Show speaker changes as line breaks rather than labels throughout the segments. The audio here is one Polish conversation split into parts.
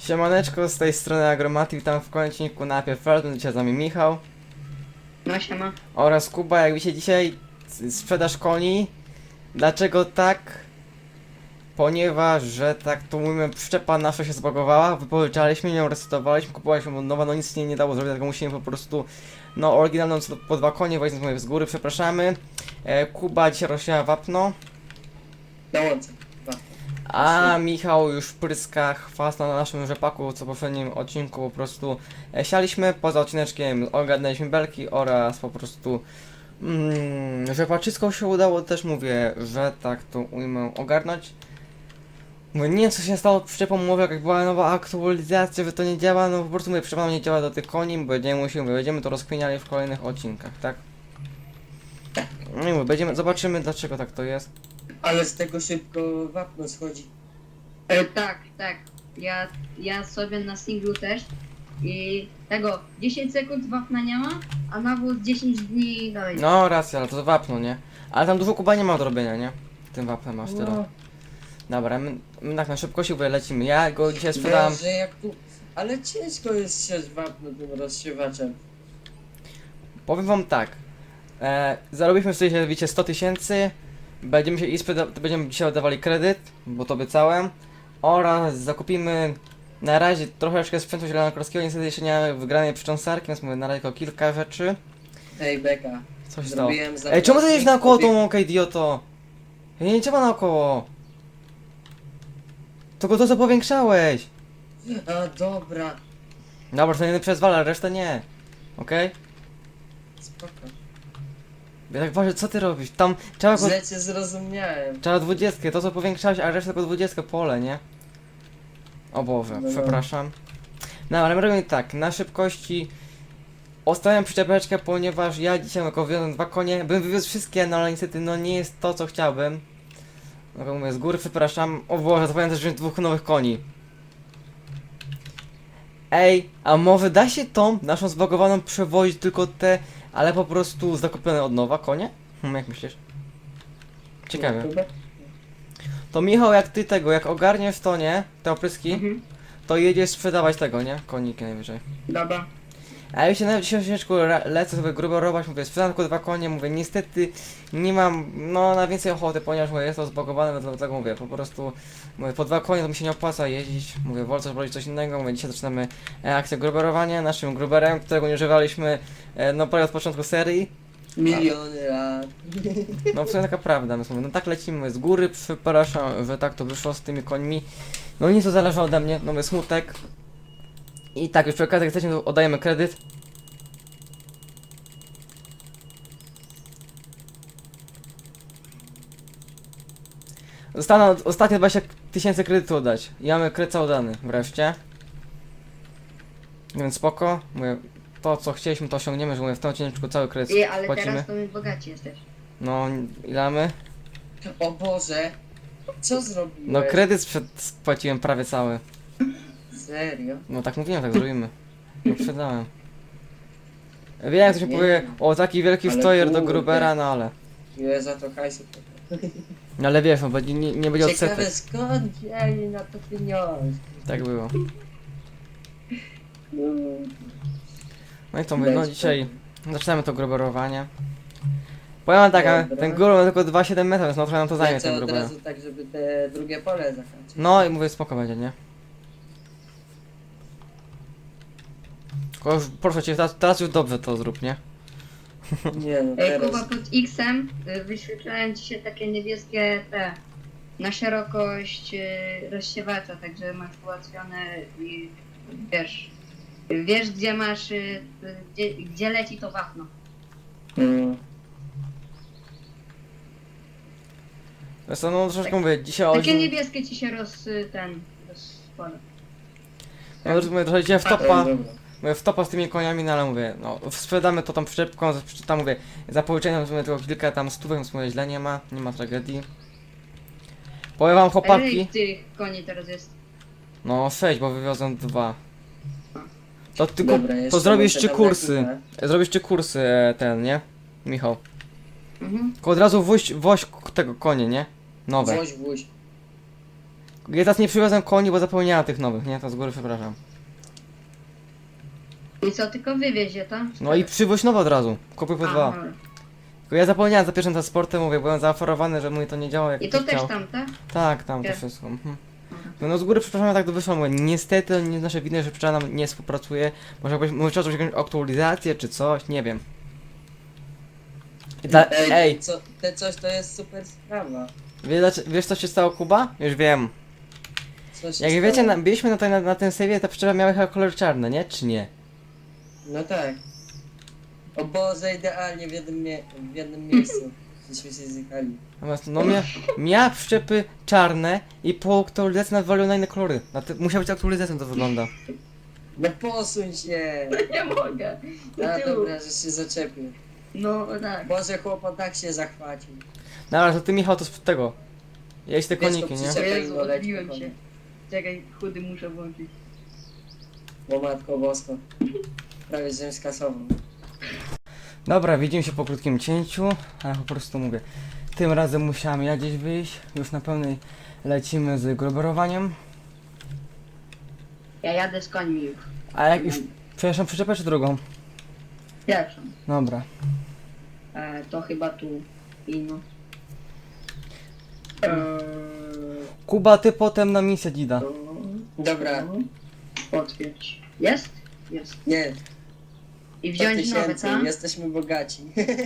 Siemaneczko, z tej strony Agromaty, witam w kończniku na Felton, dzisiaj z nami Michał
No siema.
oraz Kuba. Jak widzicie dzisiaj sprzedaż koni. Dlaczego tak? Ponieważ, że tak to mówimy, przyczepa nasza się zbagowała, wypożyczaliśmy ją, resetowaliśmy, kupowaliśmy nowa, no nic nie dało zrobić, tylko musimy po prostu, no oryginalną po 2 konie, więc mówię z góry, przepraszamy. Kuba dzisiaj rozsiała wapno.
Dołączę.
A Michał już pryska chwast na naszym rzepaku, co w poprzednim odcinku po prostu sialiśmy. Poza odcineczkiem ogarnęliśmy belki oraz po prostu rzepaczysko się udało, też mówię, że tak to ujmę ogarnąć. Mówię, nie wiem co się stało z przyczepą, mówię, jak była nowa aktualizacja, że to nie działa, no po prostu mówię, przyczepa nie działa do tych koni, będziemy to rozkminiali w kolejnych odcinkach, tak? No i mówię, zobaczymy dlaczego tak to jest.
Ale z tego szybko wapno schodzi.
Tak. Ja sobie na singlu też i tego 10 sekund wapna nie ma, a nawóz 10 dni dalej.
No racja, ale to wapno, nie? Ale tam dużo Kuba nie ma do robienia, nie? Tym wapnem masz tyle. Dobra, my tak na szybkości lecimy. Ja go dzisiaj sprzedałem.
Że jak tu... Ale ciężko jest siać wapno tym rozsiewaczem.
Powiem wam tak. Zarobiliśmy sobie, wiecie, 100 000. Będziemy się będziemy dzisiaj oddawali kredyt, bo to obiecałem. Oraz zakupimy na razie troszeczkę sprzętu zielonokorskiego. Niestety jeszcze nie mamy wygranej przycząsarki, więc mówię na razie tylko kilka rzeczy.
Ej, Beka.
Co się stało?
Zrobiłem
Ej, czemu ty jedziesz naokoło tą
obieg-
łąkę, idioto? Nie trzeba naokoło. Tylko to co powiększałeś.
A, dobra.
Dobra, to nie przezwala, resztę nie. Okej?
Spoko.
Ja tak ważę, co ty robisz? Tam trzeba
Źle cię zrozumiałem.
trzeba 20, to co powiększałeś, a resztę tylko 20 pole, nie? O Boże,
No.
przepraszam. No, ale my robimy tak, na szybkości ostawiam przyczepeczkę, ponieważ ja dzisiaj jako wiozłem 2 konie, bym wywiózł wszystkie, no ale niestety no nie jest to co chciałbym. No mówię, z góry przepraszam. O Boże, zapomniałem też wziąć 2 nowych koni. Ej, a może da się tą naszą zbagowaną przewozić tylko te, ale po prostu zakupione od nowa konie? Jak myślisz? Ciekawe.
No, chyba.
To Michał, jak ty tego, jak ogarniesz to, nie? Te opryski,
Mhm.
to jedziesz sprzedawać tego, nie? Koniki najwyżej.
Dobra.
A ja się nawet dzisiaj ciężko lecę sobie grubo robić, mówię, sprzedam tylko 2 konie, mówię, niestety nie mam, no, na więcej ochoty, ponieważ mówię, jest to zbagowane, dlatego mówię, po prostu, mówię, po 2 konie to mi się nie opłaca jeździć, mówię, wolę coś robić coś innego, mówię, dzisiaj zaczynamy akcję gruberowania, naszym gruberem, którego nie używaliśmy, no, prawie od początku serii,
Miliony lat.
no, w sumie taka prawda, mówię, no tak lecimy, mówię, z góry, przepraszam, że tak to wyszło z tymi końmi, no nic to zależy ode mnie, no, mówię, smutek. I tak, już przy okazji, jak chcecie, to oddajemy kredyt. Zostaną ostatnie 20 000 kredytu oddać. I mamy kredyt cały dany wreszcie. Więc spoko. Mówię, to co chcieliśmy to osiągniemy, że mówię, w tym odcinku cały kredyt
Ale
płacimy.
teraz to my bogaci jesteś.
No, ile mamy?
O Boże. Co zrobiłeś?
No kredyt spłaciłem prawie cały.
Serio?
No tak mówiłem, tak zrobimy. No sprzedałem. Wiem jak to się
Nie.
powie, o taki wielki
Ale
stojer do
kurde.
Grubera, no ale.
Ile za to hajsu?
No ale wiesz, no bo nie będzie
Ciekawe
odsetek.
skąd wzięli na to pieniądze?
Tak było.
No.
No i to mówię, no
Bez
dzisiaj zaczynamy to gruberowanie. Powiem wam tak, a
Dobra.
ten grubel ma tylko 2,7 metra, więc no trochę nam to zajmie
Lecę
ten
od
grubel.
razu tak, żeby te drugie pole zakończyć.
No i mówię, spoko będzie, nie? Tylko już, proszę cię, teraz już dobrze to zrób, nie?
Nie no,
Ej,
teraz...
Kuba, pod X-em wyświetlałem ci się takie niebieskie te na szerokość rozsiewacza, także masz ułatwione i wiesz gdzie masz, gdzie leci to wapno.
Mm.
Wiesz co, no troszeczkę mówię, dzisiaj
Takie
o...
niebieskie ci się rozkłada.
No mówię, trochę dzisiaj w
A,
topa,
dobra.
mówię, w topa z tymi koniami, no ale mówię, no sprzedamy to tą przyczepką, tam mówię, za połyczeniem mówię, tylko kilka tam stówek, więc mówię, źle nie ma tragedii. Powiem wam chłopaki,
Ile tych koni teraz jest?
no 6, bo wywiozłem 2. To tylko,
Dobra, jeszcze
to zrobisz
muszę
3
tam
kursy,
napisać.
zrobisz 3 kursy ten, nie? Michał.
Mhm.
Tylko od razu woź tego konie, nie? Nowe.
Woź.
Ja teraz nie przywiozłem koni, bo zapomniałem tych nowych, nie? To z góry przepraszam.
I co, tylko wywiezie, to?
No i przywoź nowe od razu. Kupuj po dwa.
dobra.
Tylko ja zapomniałem za pierwszym transportem, mówię, byłem zaaferowany, że mój to nie działa jak
I to
ktoś
też
chciał.
tam, tak?
Tak, tam to
Gdzie?
wszystko. Mhm.
Dobra.
No z góry przepraszam, tak to wyszło, mówię, niestety to nie jest nasze winy, że przyczepna nam nie współpracuje. Może jakbyś mówił o jakąś aktualizację czy coś, nie wiem. Ej,
Te coś to jest super sprawa.
wiesz co się stało, Kuba? Już wiem.
Co się
Jak
stało?
wiecie, byliśmy na tym save'ie, ta przyczepa miała chyba kolor czarny, nie? Czy nie?
No tak. O Boże, idealnie w jednym miejscu. Żeśmy się zjechali.
Natomiast no miała przyczepy czarne i po aktualizacji nadwalił na inne kolory. Musiała być aktualizacją, to wygląda.
No posuń się!
Nie mogę.
A dobra, że się zaczepił.
No tak.
Boże, chłopak tak się zachwacił.
No ale to ty, Michał, to z tego. Jeść te koniki, nie?
Czekaj,
Jezu,
no leć
odbiłem
spokojnie.
się. Czekaj, chudy muszę włączyć.
O matko bosko. Prawie żem skasował.
Dobra, widzimy się po krótkim cięciu, ale po prostu mówię. Tym razem musiałem ja gdzieś wyjść, już na pełnej lecimy z gruberowaniem.
Ja jadę z końmi już.
A jak już, przepraszam, przyczepę czy drugą?
Pierwszą.
Dobra.
To chyba tu. I no.
Kuba, ty potem na misję Dida.
Dobra.
Potwierdź. Jest? Jest.
Nie,
I
100
wziąć nowe,
tysięcy,
co?
jesteśmy bogaci.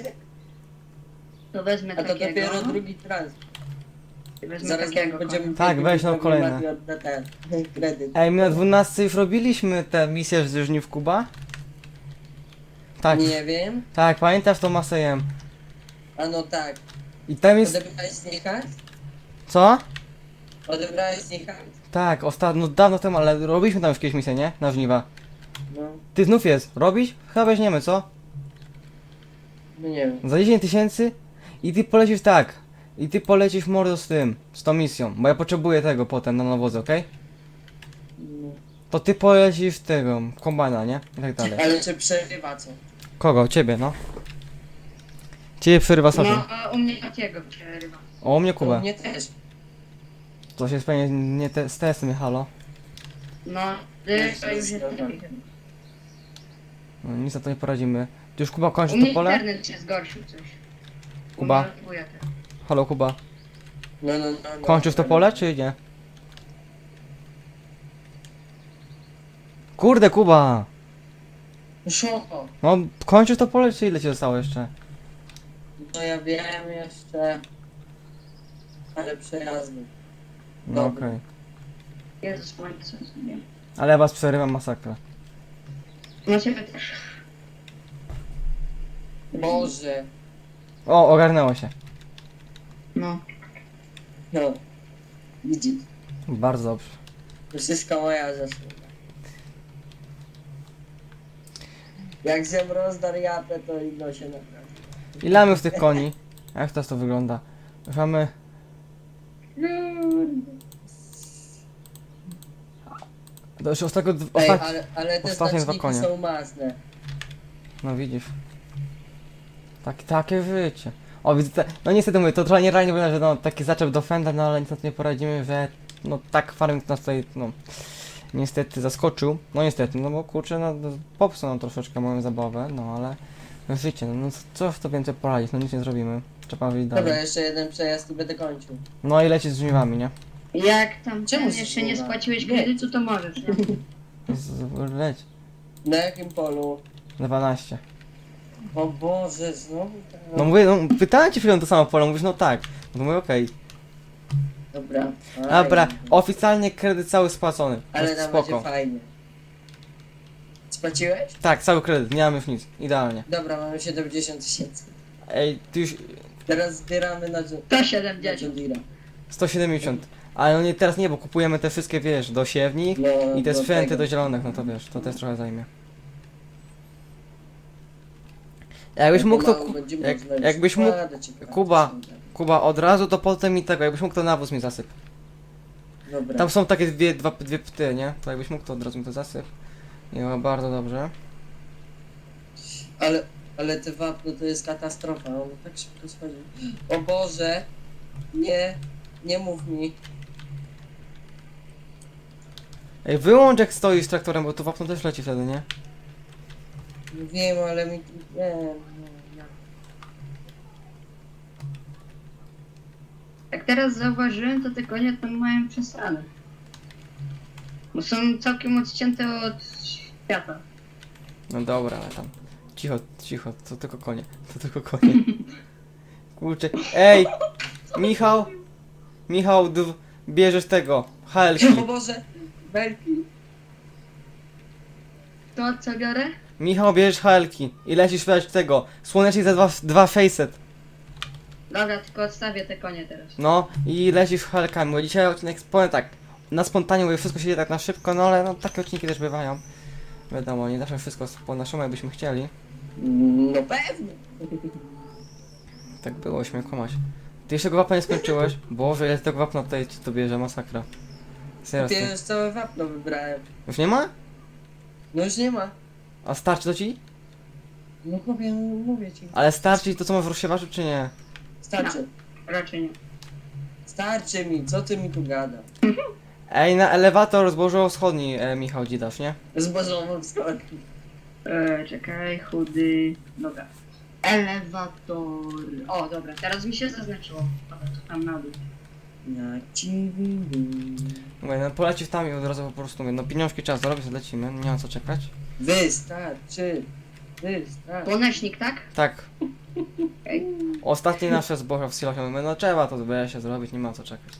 To wezmę
A to
takiego.
dopiero drugi transport.
Wezmę
Zaraz
takiego.
będziemy
Tak,
biegli,
weź no
pewnie
kolejne.
Mati odda ten kredyt.
Ej, my na 12 już robiliśmy tę misję z żniw Kuba? Tak,
Nie wiem.
tak, pamiętasz to Masejem.
A no tak.
I tam jest...
Odebrałeś z niej hajs?
Co?
Odebrałeś z niej hajs?
Tak, ostatnio, no dawno temu, ale robiliśmy tam już jakieś misje, nie? Na żniwa.
No,
Ty znów jest, robisz? Chyba weźmiemy, co?
no nie wiem.
Za 10 tysięcy i ty polecisz tak. I ty polecisz mordo z tym, z tą misją, bo ja potrzebuję tego potem na nawozy, okej?
No.
To ty polecisz tego, kombajna, nie? I tak dalej.
Ale czy przerywa co?
Kogo? Ciebie, no. Ciebie przerywa sobie.
No, a u mnie takiego przerywa.
O, u mnie
To
Kubę.
mnie też.
To się pewnie nie z testem, halo.
No, to już jest taki.
No, nic na to nie poradzimy. Ty już Kuba
U
kończy
mnie
to pole?
internet się zgorszył coś.
Kuba?
U mnie odbija też.
Halo Kuba.
No.
Kończysz to pole, czy nie? Kurde Kuba!
Szoko.
No, kończysz to pole, czy ile ci zostało jeszcze?
No ja wiem jeszcze. Ale przejazdy.
No
Dobra.
okej.
Jezus, moje co sobie.
Ale ja was przerywam masakra.
No ciebie też.
Boże.
O, ogarnęło się.
No.
No. Widzisz.
Bardzo dobrze.
To wszystko moja zasługa. Jak zjem rozdar japę, to inno się naprawdę.
Ile mamy w tych koni? Jak teraz to wygląda? Już mamy... To już ostatnio...
Ej,
Ostat...
ale te
ostatnie dwa
znaczniki
konie.
są masne.
No widzisz. Takie życie. O, widzę te... No niestety mówię, to trochę nierealnie wygląda, że no taki zaczep do Fenda, no ale nic na to nie poradzimy, że... No tak farming nas tutaj, no... Niestety zaskoczył. No niestety, no bo kurczę, no popsuł nam troszeczkę moją zabawę, no ale... Życie, no co w to więcej poradzić, no nic nie zrobimy. Trzeba wyjść
Dobra,
dalej.
jeszcze jeden przejazd i będę kończył.
No i leci z żniwami, nie?
Jak tam
Czemu
ten jeszcze nie
zsuwa?
spłaciłeś
Nie.
kredytu, to możesz, nie?
Leć.
Na jakim polu?
12.
O Boże, znowu tak.
No mówię, no pytałem cię chwilę to samo pole, mówisz no tak. No mówię okej.
Dobra.
Dobra,
fajnie.
oficjalnie kredyt cały spłacony.
Ale
Jest
tam będzie
spoko.
fajnie. Spłaciłeś?
Tak, cały kredyt, nie mamy już nic. Idealnie.
Dobra, mamy 70 tysięcy.
Ej, ty już
Teraz zbieramy na
To
John
70.
Deere'a.
170. Ale no nie, teraz nie, bo kupujemy te wszystkie, wiesz, do siewnik
No,
i te
do
sprzęty
tego.
do zielonych, no to wiesz, to też trochę zajmie. Jakbyś mógł to...
Pomału będzie
Jak,
można już
jakbyś mógł...
składać i
Kuba.
praktycznie.
Kuba, od razu to potem mi tego, jakbyś mógł to nawóz mi zasyp.
Dobra.
Tam są takie dwie pty, nie? To jakbyś mógł to od razu mi to zasyp. I no, bardzo dobrze.
Ale te wapno to jest katastrofa, on tak szybko schodzi. O Boże! Nie, nie mów mi.
Ej, wyłącz jak stoisz z traktorem, bo tu wapno też leci wtedy, nie?
Wiem, ale mi... Nie.
Jak teraz zauważyłem, to te konie tam mają przesrane. Bo są całkiem odcięte od świata.
No dobra, ale tam. Cicho, cicho, to tylko konie. To tylko konie. Kurczę. Ej! Michał! Michał, bierzesz tego. HLki.
O Boże! Belki!
To co biorę?
Michał, bierzesz HLki. I lecisz wydać tego. Słonecznik za dwa facet.
Dobra, tylko odstawię te konie teraz.
No i lecisz HLkami, bo dzisiaj odcinek powiem tak. Na spontanie, bo wszystko się dzieje tak na szybko, no ale no takie odcinki też bywają. Wiadomo, nie zawsze wszystko po naszemu jakbyśmy chcieli.
No pewnie!
Tak było, śmiem kłamać. Ty jeszcze go wapna nie skończyłeś? Boże, ile tego wapna tutaj ci to bierze, masakra. Serio,
Ty już całe wapno wybrałem.
już nie ma?
No już nie ma.
A starczy to ci?
No chłopie, no mówię ci.
Ale starczy ci to co masz w rozsiewaczu, czy nie?
Starczy.
Raczej nie.
Starczy mi, co ty mi tu gada?
Ej, na elewator zbożowo-wschodni, Michał, dzidasz, nie?
Zbożową wschodni.
Czekaj, chudy. Dobra. Elewator. O, dobra, teraz mi się zaznaczyło. Dobra, to tam na dół.
Na ciebie.
Mówię, no polecisz tam i od razu po prostu mówię, no pieniążki trzeba zarobić, to lecimy, nie ma co czekać.
Wystarczy. Wystarczy.
Słonecznik, tak?
Tak.
Okej.
Ostatnie nasze zboża w silosie mówimy, no trzeba to się zrobić, nie ma co czekać.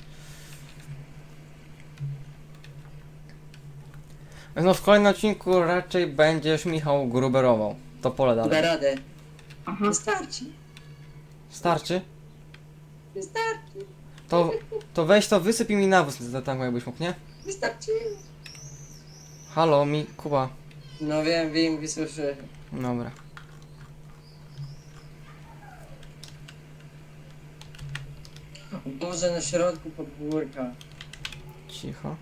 No w kolejnym odcinku raczej będziesz Michał gruberował. To pole
Da
dalej.
radę.
Aha.
Wystarczy.
Starczy?
Wystarczy.
To weź to wysyp i mi nawóz za tam jakbyś mógł, nie?
Wystarczy.
Halo, Kuba.
No wiem, wysłyszę.
Dobra.
Boże, na środku podwórka.
Cicho.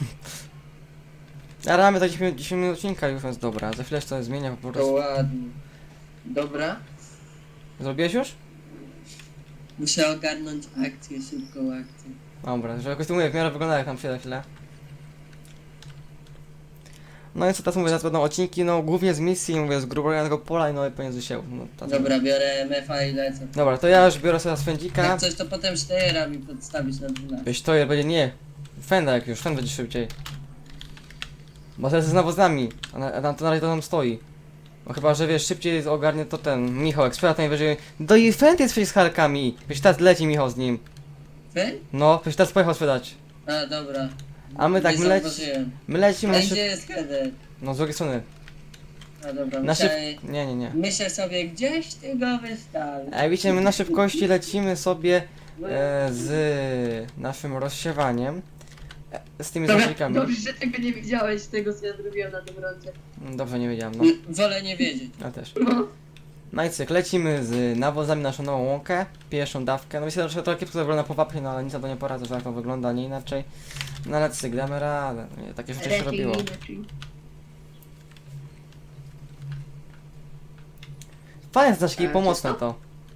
A ramy to 10 minut odcinka już jest dobra. Za chwilę się to zmienia po
To
prostu.
ładnie. Dobra.
Zrobiłeś już?
Muszę ogarnąć akcję, szybką akcję.
Dobra, że jakoś to mówię, w miarę wygląda jak tam się za chwilę. No i co teraz mówię, teraz będą odcinki, no głównie z misji, mówię, z gruboranego pola i no i pomiędzy się. No,
Dobra, biorę MF-a i lecę.
Dobra, to ja już biorę sobie swędzika.
Jak coś, to potem Steyera mi podstawić na 12.
Wiesz, to będzie nie. Fenda jak już, Fend będzie szybciej. Bo teraz jest z nawozami, a tam to na razie to tam stoi. No chyba, że wiesz, szybciej ogarnie to ten Michał, jak sprzeda to najwyżej. Do i Fend jest przecież z halkami. Wiesz, teraz leci Michał z nim.
Wy?
No, przecież teraz pojechał sprzedać.
A, dobra.
A my tak,
Nie zauważyłem.
my lecimy
A
na
gdzie
szyb...
jest header?
No z drugiej strony.
A dobra,
Na
myślę,
Nie.
myślę sobie, gdzieś ty go wystawisz.
A wiecie, my na szybkości lecimy sobie z naszym rozsiewaniem. Z tymi
Dobra,
zacznikami.
dobrze, że tego nie widziałeś, tego co ja zrobiłem na tym rondzie.
Dobrze, nie wiedziałem, no.
Wolę nie wiedzieć.
Ja też.
No.
No i cyk, lecimy z nawozami naszą nową łąkę, pierwszą dawkę. No myślę, że trochę kiepsko wygląda po wapnie, no ale nic na to nie poradzę, że tak to wygląda, nie inaczej. No ale cyk, damy radę. Nie, takie rzeczy się robiło. Fajne znaczki,
A,
pomocne
co?
to.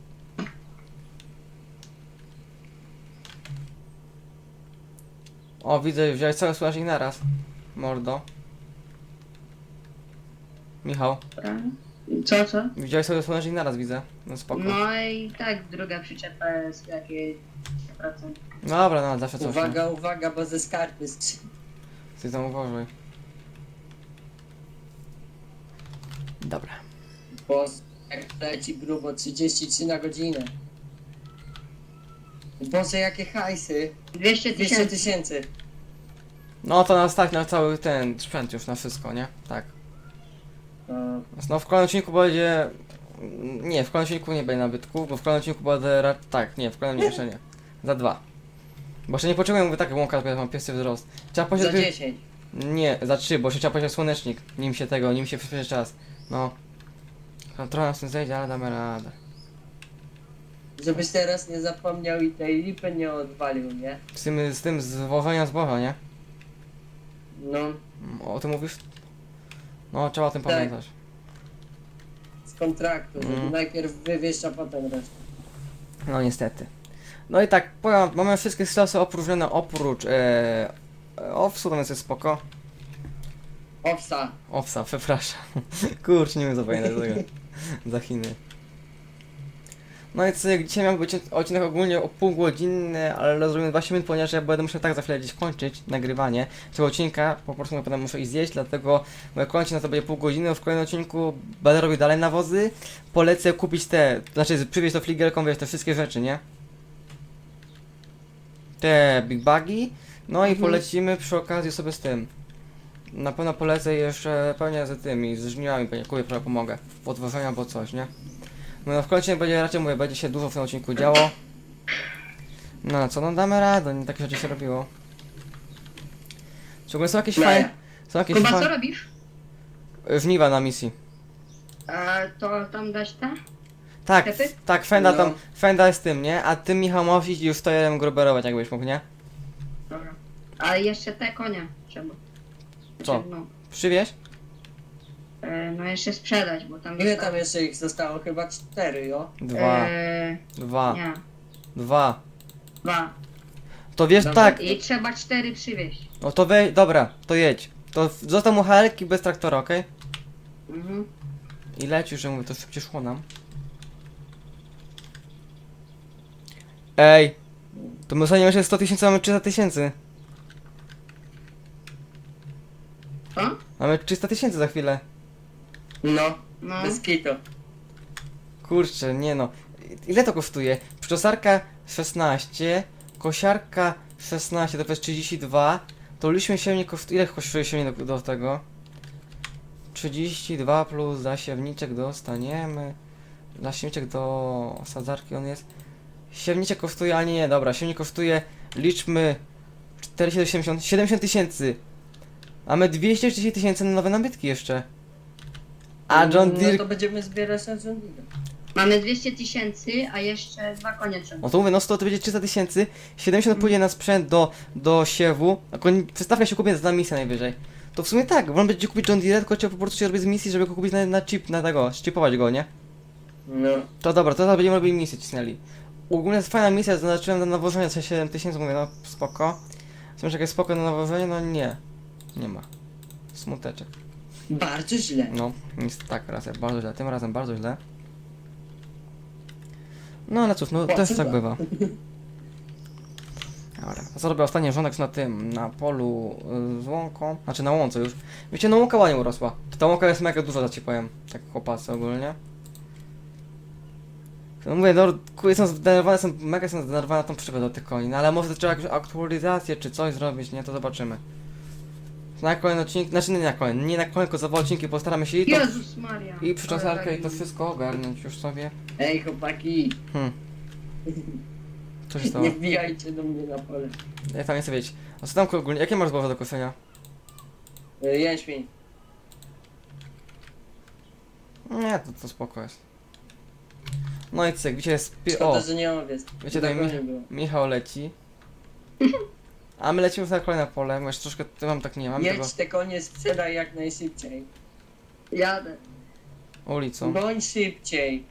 O, widzę, wziąłeś cały słonecznik naraz. Mordo. Michał,
Co?
wziąłeś sobie słonecznik naraz, widzę. No spoko.
No i tak, druga przyczepa jest jakieś procent.
Dobra, no zawsze coś.
Uwaga, uwaga, bo ze skarpy strzeli.
Ty tam uważaj. Dobra.
Bo jak leci grubo 33 na godzinę. Boże, jakie hajsy.
200
200
tysięcy.
tysięcy.
No to nas stać na cały ten sprzęt już, na wszystko, nie? Tak. No w kolejnym odcinku będzie... Nie, w kolejnym odcinku nie będzie nabytków, bo w kolejnym odcinku będę... Tak, nie, w kolejnym jeszcze nie. Za 2. Bo jeszcze nie potrzebuję, mówię, tak łąka, mam piescy wzrost. Trzeba
Za
posiadać...
10.
Nie, za 3, bo jeszcze trzeba posiadać słonecznik, nim się przyspieszy czas. No. Trochę nas tym zejdzie, ale damy radę.
Żebyś teraz nie zapomniał i tej lipy nie odwalił, nie?
Z tym zwożenia zboża, nie?
No,
O tym mówisz? No, trzeba o tym
Tak.
pamiętać.
z kontraktu, żeby
Mm.
najpierw wywieźć, a potem resztę.
No niestety. No i tak, powiem, mamy wszystkie silosy opróżnione oprócz owsu, to jest spoko.
Owsa.
Owsa, przepraszam. Kurczę, nie wiem co pamiętać tego. Za Chiny. No i co, jak dzisiaj miał być odcinek ogólnie o półgodzinny, ale rozumiem 20 minut, ponieważ ja będę musiał tak za chwilę gdzieś kończyć nagrywanie tego odcinka, po prostu potem muszę iść zjeść, dlatego moje kończy na to będzie pół godziny, w kolejnym odcinku będę robił dalej nawozy, polecę kupić te, znaczy przywieźć to fligelką, wiesz, te wszystkie rzeczy, nie? Te big bagi, no i polecimy przy okazji sobie z tym. Na pewno polecę jeszcze pewnie z tymi, z żniwami, pewnie kupię, trochę pomogę, w odwożeniu albo coś, nie? No w końcu będzie raczej, mówię, będzie się dużo w tym odcinku działo. No co, no damy radę, nie takie rzeczy się robiło. Szczególnie są jakieś fajne, są jakieś
Kuba, co
fajne,
robisz?
żniwa na misji.
A to tam dać te?
Tak,
Sklepy?
tak, Fenda
No.
tam, Fenda jest tym, nie? A ty, Michał, możesz iść już stojerem gruberować, jakbyś mógł, nie?
Dobra. A jeszcze te konie trzeba.
Co?
No,
Przywieź?
no jeszcze sprzedać, bo tam...
Ile tam jeszcze ich zostało? Chyba 4, jo?
Dwa,
Nie,
2.
2.
To wiesz,
Dobra.
tak,
I trzeba 4 przywieźć.
no to dobra, to jedź. To został mu helki bez traktora, okej?
Mhm.
I leć już, że mówię, to szybciej szło nam. Ej! To my ostatnio jeszcze 100 000, mamy 300 000.
Co?
Mamy 300 000 za chwilę.
No,
No.
bez kitu.
Kurczę, nie no. Ile to kosztuje? Przyczosarka 16, kosiarka 16, to jest 32. To liczmy siewnik kosztuje. Ile kosztuje siewnik do tego? 32 plus zasiewniczek dostaniemy. Zasiewniczek do sadzarki on jest. Siewniczek kosztuje, ale nie, dobra, siewnik kosztuje, liczmy 470, 70 000. Mamy 230 000 na nowe nabytki jeszcze. A John Deere...
No to będziemy zbierać na John Deere.
Mamy 200 000, a jeszcze 2 konie trzeba.
No to mówię, no 100 to będzie 300 000, 70 pójdzie na sprzęt do siewu, przystawka się kupię za misję najwyżej. To w sumie tak, wolno będzie kupić John Deere, tylko trzeba po prostu się robić z misji, żeby go kupić na chip, na tego, ścipować go, nie?
No.
To dobra, to teraz będziemy robili misję, cisnęli. Ogólnie jest fajna misja, zaznaczyłem na nawożenie co 7000, mówię, no spoko. Myślę, że jakieś spoko na nawożenie, no nie. Nie ma. Smuteczek.
Bardzo źle.
No, nic tak, raz, bardzo źle, tym razem bardzo źle. No ale cóż, no też tak bywa. Dobra, zrobię ostatni rządek na tym, na polu z łąką, znaczy na łące już. Wiecie, no łąka ładnie urosła. Ta łąka jest mega duża, za ci powiem, tak chłopacy ogólnie. No mówię, no jestem zdenerwowany na tą przygodę do tych koni, no ale może to trzeba jakąś aktualizację czy coś zrobić, nie? To zobaczymy. Na kolejny odcinek, znaczy nie na kolejny, nie na kolejny, tylko za dwa odcinki postaramy się
Jezus Maria.
i przyczosarkę i to wszystko ogarnąć już sobie.
Ej, chłopaki,
Co się stało?
nie wbijajcie do mnie na pole.
Ja tam nie chcę wiedzieć. A co tam ogólnie, jakie masz zboże do kosenia?
Jęczmień.
Nie, to spoko jest. No i cyk, wiecie, jest...
Szkoda,
O,
że nie mam wiec.
wiecie, tutaj
Tego nie było.
Michał leci. A my lecimy na kolejne pole, bo jeszcze troszkę, to mam tak nie mam tego
Jedź te konie, sprzedaj jak najszybciej.
Jadę.
ulicą.
Bądź szybciej.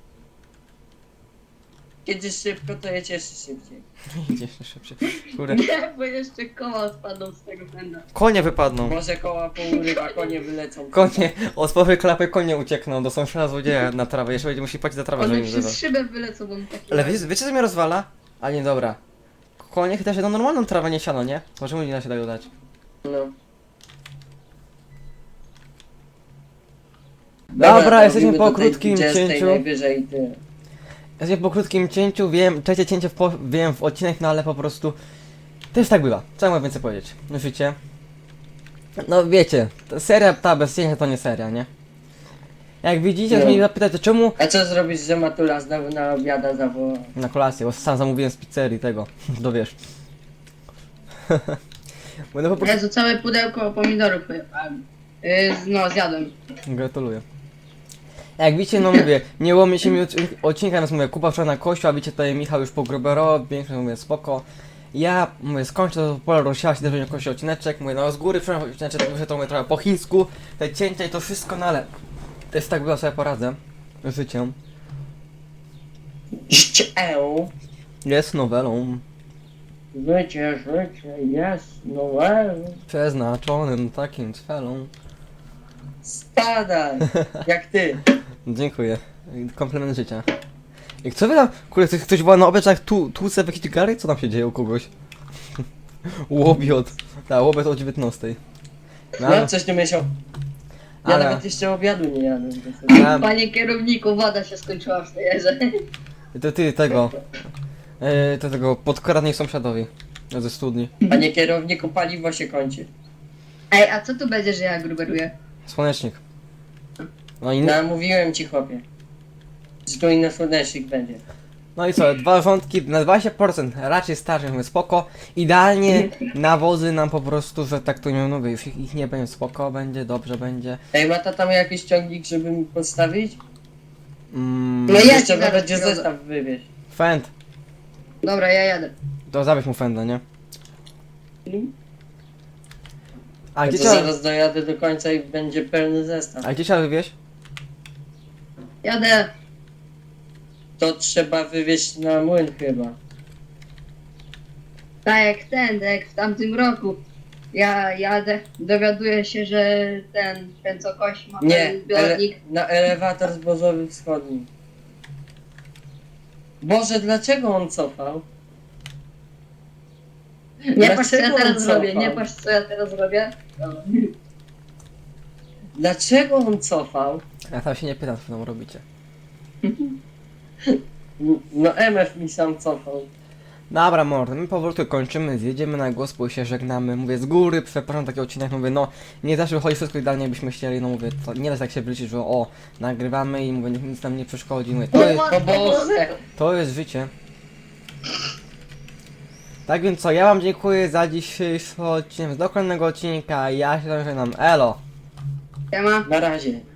Kiedy szybko, to jedź jeszcze szybciej.
Idzie jeszcze szybciej. Kurde.
Nie, bo jeszcze koła spadną z tego pęda.
Konie wypadną.
Może koła pourywa, konie wylecą.
Konie, od połowy klapy konie uciekną do sąsiada złodzieja na trawę. Jeszcze będzie musi płacić za trawę, żeby
One
nie wyzywał.
przez szybę wylecą, bo on taki...
Ale wiecie co mnie rozwala? A nie, dobra. Konie chyba się do normalną trawę, nie siano, nie? Możemy nie da się tego dać.
No.
Dobra, jesteśmy
robimy
po
do tej
krótkim
20
cięciu.
Najwyżej ty.
Jesteśmy po krótkim cięciu, wiem, trzecie cięcie wiem w odcinek, no ale po prostu... Też tak bywa, co ja mogę więcej powiedzieć? Życie. No wiecie, seria ta bez cięcia to nie seria, nie? Jak widzicie,
No.
mnie zapytać, to czemu...
A co zrobisz, że Matula znowu na obiada zawoła?
Na kolację, bo sam zamówiłem z pizzerii tego, dowiesz. Będę po prostu...
Jezu, całe pudełko pomidorów pojechałem. No, zjadłem.
Gratuluję. Jak widzicie, no mówię, nie łomie się mi odcinka, więc mówię, Kuba wczoraj na kościół, a widzicie tutaj Michał już po gruberowi, większość mówię, spoko. Ja mówię, skończę to pole rozsiała się, też będzie kościół odcineczek, mówię, no z góry przepraszam odcineczek, muszę to mówię trochę po chińsku, te cięcia i to wszystko, no ale też tak było, sobie poradzę. Życiem.
Życie,
Jest nowelą
życie jest nowelą.
przeznaczonym takim celom.
Spadaj! Jak ty.
Dziękuję. Komplement życia. I co wy tam? Kurde, ktoś woła na obiad, tłuce w jakiś gary? Co tam się dzieje u kogoś? Łobiot. Tak, łobiot o 19.
No, coś nie myślał. Ja
Ale-
nawet jeszcze obiadu nie jadłem.
A,
Panie kierowniku, woda się skończyła w stejerze.
to ty tego. To tego podkradnij sąsiadowi. Ze studni.
Panie kierowniku, paliwo się kończy.
Ej, a co tu będzie, że ja gruberuję?
Słonecznik. No i,
No, mówiłem ci, chłopie. Że tu inny słonecznik będzie.
no i co, dwa rządki na 20%, raczej starczy, mówię spoko. Idealnie nawozy nam po prostu, że tak to nie mówię, już ich nie będzie, spoko będzie, dobrze będzie.
Ej, ma ta tam jakiś ciągnik, żeby mi postawić?
No ja
Jeszcze
ci zaraz
będzie
przywiozę.
zestaw wywieźć.
Fend,
Dobra, ja jadę.
to zabierz mu Fenda, nie? A
Ja
gdzie
to
trzeba,
zaraz dojadę do końca i będzie pełny zestaw.
a gdzie trzeba wywieźć?
Jadę.
To trzeba wywieźć na młyn chyba.
Tak jak w tamtym roku. Ja jadę, dowiaduję się, że ten co kości ma
Nie,
ten zbiornik.
na elewator zbożowy wschodni. Boże, dlaczego on cofał?
Nie patrz co ja
Dlaczego on
teraz zrobię,
cofał?
nie patrz co ja teraz robię. Dobra.
Dlaczego on cofał?
Ja tam się nie pytam, co tam robicie.
No MF mi sam cofał.
Dobra, mordy, my powolutku kończymy, zjedziemy na głos, bo się żegnamy. Mówię z góry, przepraszam taki odcinek, mówię, no nie zawsze wychodzi wszystko idealnie, jakbyśmy chcieli, no mówię, to nie da się tak się wyliczyć, że o, nagrywamy i mówię, nic nam nie przeszkodzi, mówię,
O Boże!
to jest życie. Tak więc co, ja wam dziękuję za dzisiejszy odcinek, do kolejnego odcinka, ja się tam żegnam, elo!
Siema.
Na razie.